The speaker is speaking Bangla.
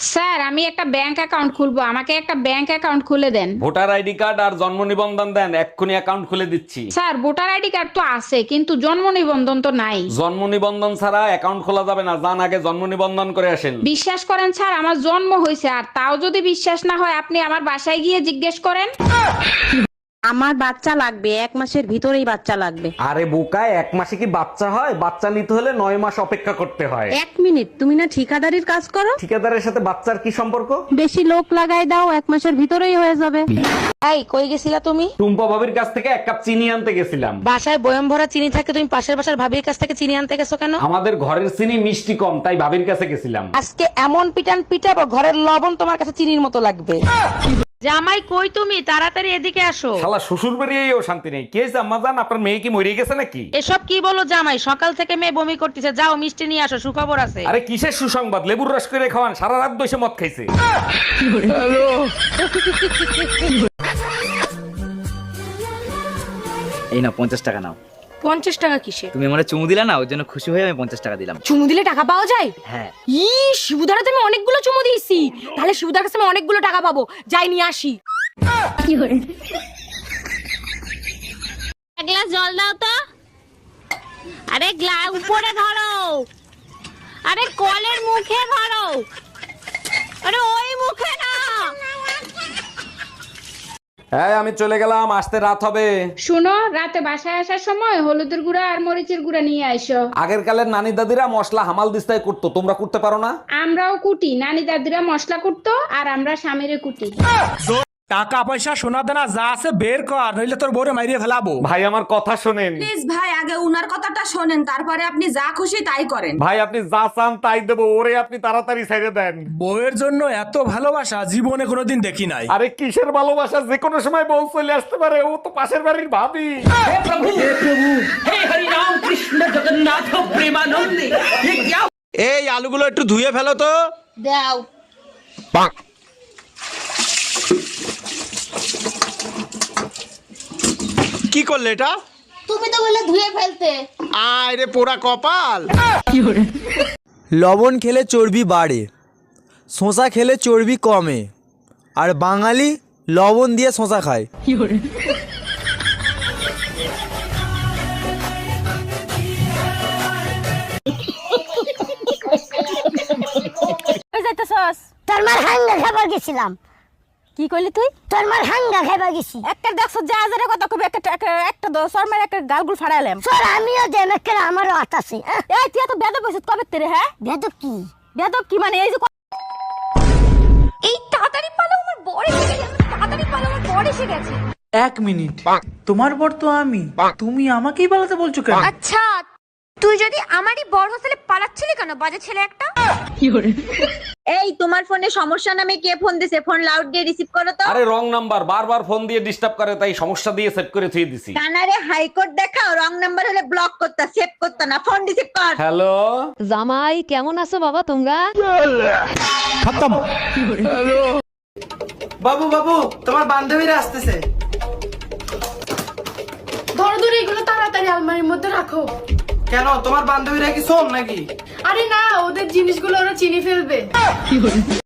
স্যার আমি একটা ব্যাংক অ্যাকাউন্ট খুলবো, আমাকে একটা ব্যাংক অ্যাকাউন্ট খুলে দেন। ভোটার আইডি কার্ড আর জন্ম নিবন্ধন দেন, এক্ষুনি অ্যাকাউন্ট খুলে দিচ্ছি। স্যার ভোটার আইডি কার্ড তো আছে কিন্তু জন্ম নিবন্ধন তো নাই। জন্ম নিবন্ধন ছাড়া অ্যাকাউন্ট খোলা যাবে না, যান আগে জন্ম নিবন্ধন করে আসেন। বিশ্বাস করেন স্যার আমার জন্ম হয়েছে, আর তাও যদি বিশ্বাস না হয় আপনি আমার বাসায় গিয়ে জিজ্ঞেস করেন। আমার বাচ্চা লাগবে, 1 মাসের ভিতরেই বাচ্চা লাগবে। আরে বোকা, 1 মাসে কি বাচ্চা হয়? বাচ্চা নিতে হলে 9 মাস অপেক্ষা করতে হয়। 1 মিনিট, তুমি না ঠিকাদারির কাজ করো? ঠিকাদারের সাথে বাচ্চার কি সম্পর্ক? বেশি লোক লাগাই দাও, 1 মাসের ভিতরেই হয়ে যাবে। এই কই গেছিলা তুমি? টুম্পা ভাবির কাছ থেকে 1 কাপ চিনি আনতে গেছিলাম। বাসায় বয়ম ভরা চিনি থাকে, তুমি পাশের বাসার ভাবির কাছ থেকে চিনি আনতে গেছো কেন? আমাদের ঘরের চিনি মিষ্টি কম, তাই ভাবির কাছে গেছিলাম। আজকে এমন পিটান পিটাবো, ঘরের লবণ তোমার কাছে চিনির মতো লাগবে। জামাই কই তুমি? তাড়াতাড়ি এদিকে আসো। শালা শ্বশুর বাড়িয়েও শান্তি নেই। কি হয়েছে আম্মা জান, আপনার মেয়ে কি মরে গেছে নাকি? এসব কি বলো জামাই? সকাল থেকে মেয়ে বমি করতেছে, যাও মিষ্টি নিয়ে আসো, সুখবর আছে। আরে কিসের সুসংবাদ? লেবুর রস করে খাওয়ান, সারা রাত বসে মদ খাইছে। এই নাও 50 টাকা নাও। 50 টাকা কিসে? তুমি আমারে চুমু দিলা না, ওর জন্য খুশি হয়ে আমি 50 টাকা দিলাম। চুমু দিলে টাকা পাওয়া যায়? হ্যাঁ। শিবুদারা তুমি অনেকগুলো চুমু দিয়েছি, তাহলে শিবুদার কাছে আমি অনেকগুলো টাকা পাবো, যাই নিয়ে আসি। এক গ্লাস জল দাও তো। আরে গ্লাস উপরে ধরো, আরে কলের মুখে ধরো, আরে ওই মুখে না। হ্যাঁ আমি চলে গেলাম, আসতে রাত হবে। শুনো, রাতে বাসায় আসার সময় হলুদের গুঁড়া আর মরিচের গুঁড়া নিয়ে আইসো। আগের কালের নানি দাদিরা মশলা হামাল দিস্তায় করতো, তোমরা করতে পারো না? আমরাও কুটি, নানি দাদিরা মশলা কুটতো আর আমরা স্বামীরে কুটি। টাকা পয়সা সোনা দানা যা আছে বের কর, নইলে তোর বউরে মাইরিয়ে ফেলাবো। ভাই আমার কথা শোনেন। প্লিজ ভাই, আগে উনার কথাটা শোনেন, তারপরে আপনি যা খুশি তাই করেন। ভাই আপনি যা চান তাই দেবো, ওরে আপনি তাড়াতাড়ি ছেড়ে দেন। বউয়ের জন্য এত ভালোবাসা জীবনে কোনোদিন দেখি নাই। আরে কিসের ভালোবাসা, যে কোনো সময় বউ চলে আসতে পারে, ও তো পাশের বাড়ির ভাবি। এই আলুগুলো একটু ধুয়ে ফেলো তো। দাও। কি করলে এটা? তুমি তো বললে ধুয়ে ফেলতে। আয় রে পোড়া কপাল। লবণ খেলে চর্বি বাড়ে, শশা খেলে চর্বি কমে, আর বাঙালি লবণ দিয়ে শশা খায়। তোর মার হাঙ্গা খাবার গেছিলাম। কি কইলি তুই? তোর মার হাঙ্গা খাবার গেছি। একটা দেখছো যা হাজারের কথা কবি, একটা শর্মার একটা গালগুল ফাড়াইলাম। স্যার আমিও দেন একটা, আমারও হাত আছে। এই তুই এত বেদব হইছিস কবে তেরে? হ্যাঁ বেদব কি? বেদব কি মানে? এই যে এই তাড়াতাড়ি পালো, আমার বড় এসে গেছে, তাড়াতাড়ি পালো, আমার বড় এসে গেছে। 1 মিনিট, তোমার বর তো আমি, তুমি আমাকেই পালাতে বলছো কেন? আচ্ছা তুই যদি আমারই বড় হোস্টেলে পালাচ্ছিলি কেন, বাজে ছেলে একটা? এই তোমার ফোনে সমস্যা নামে কে ফোন দিছে? ফোন লাউড দিয়ে রিসিভ করো তো। আরে রং নাম্বার, বারবার ফোন দিয়ে ডিস্টার্ব করে, তাই সমস্যা দিয়ে সেট করে থুয়ে দিছি। কানারে হাইকোর্ট দেখাও, রং নাম্বার হলে ব্লক করতা, সেভ করতা না, ফোন রিসিভ কর। হ্যালো জামাই কেমন আছো বাবা তোমরা? খতম। বাবু বাবু, তোমার বান্ধবীরা আসতেছে। ধরো ধরো এগুলো তাড়াতাড়ি আলমারির মধ্যে রাখো। কেন, তোমার বান্ধবীরা কি শোন নাকি? আরে না, ওদের জিনিসগুলো ওরা চিনি ফেলবে।